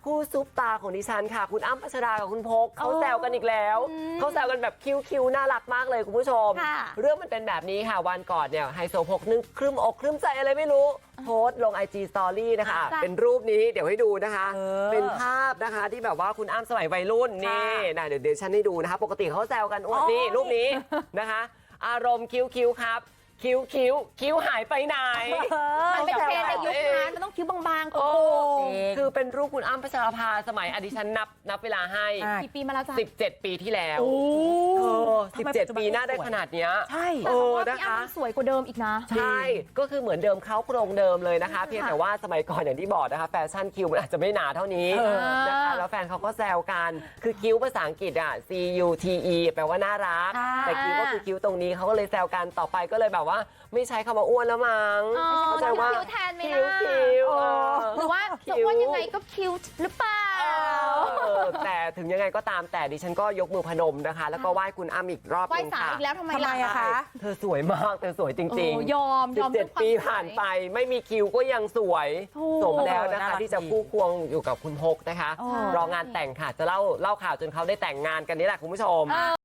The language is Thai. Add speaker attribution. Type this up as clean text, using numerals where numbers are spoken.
Speaker 1: คู่ซุปตาของดิฉันค่ะคุณอ้ำพัชรากับคุณพกเขาแซวกันอีกแล้วเขาแซวกันแบบคิ้วน่ารักมากเลยคุณผู้ชมเรื่องมันเป็นแบบนี้ค่ะวันก่อนเนี่ยไฮโซพกนึกครึ้มอกครึ้มใจอะไรไม่รู้โพสต์ลง IG Story นะคะเป็นรูปนี้เดี๋ยวให้ดูนะคะเป็นภาพนะคะที่แบบว่าคุณอ้ำสมัยวัยรุ่นนี่นะเดี๋ยวฉันให้ดูนะคะปกติเขาแซวกันนี่รูปนี้นะคะอารมณ์คิ้วครับคิ้วหายไปไหน
Speaker 2: มันเป็นเทรนด์ในยุคนั้นมันต้องคิ้วบางๆโอ้
Speaker 1: คือเป็นรูปคุณอ้ำพัชราภาสมัยดิฉันนับเวลาให้
Speaker 2: กี่ปีมาแล้วจ๊ะ
Speaker 1: 17 ปีที่แล้ว17 ปีหน้าได้ขนาดเนี้ย
Speaker 2: ใช่แต่ว่าพี่อ้ำสวยกว่าเดิมอีกนะ
Speaker 1: ใช่ก็คือเหมือนเดิมเขาโครงเดิมเลยนะคะเพียงแต่ว่าสมัยก่อนอย่างที่บอกนะคะแฟชั่นคิ้วมันอาจจะไม่หนาเท่านี้นะคะแล้วแฟนเขาก็แซวกันคือคิ้วภาษาอังกฤษอ่ะ CUTE แปลว่าน่ารักแต่คิ้วก็คือคิ้วตรงนี้เขาก็เลยแซวกันต่อไปก็เลยแบบว่าไม่ใช้คำว่าอ้วนแล้วมั้ง
Speaker 2: เขาใจว่า
Speaker 1: คิ้ว
Speaker 2: แทนไหมนะหรือว่าจะอ้วนยังไงก็คิ้วหรือเปล่า
Speaker 1: แต่ถึงยังไงก็ตามแต่ดิฉันก็ยกมือพนมนะคะแล้วก็ไหว้คุณอ้ำอีกรอบนึงค่ะ
Speaker 2: ไหว้ศาลอีกแล้วทำไมล่ะ
Speaker 1: คะเธอสวยมากเธอสวยจริง
Speaker 2: ๆยอม
Speaker 1: 17 ปีผ่านไปไม่มีคิวก็ยังสวยสมแล้วนะคะที่จะคู่ควงอยู่กับคุณพกนะคะรองานแต่งค่ะจะเล่าข่าวจนเขาได้แต่งงานกันนี่แหละคุณผู้ชม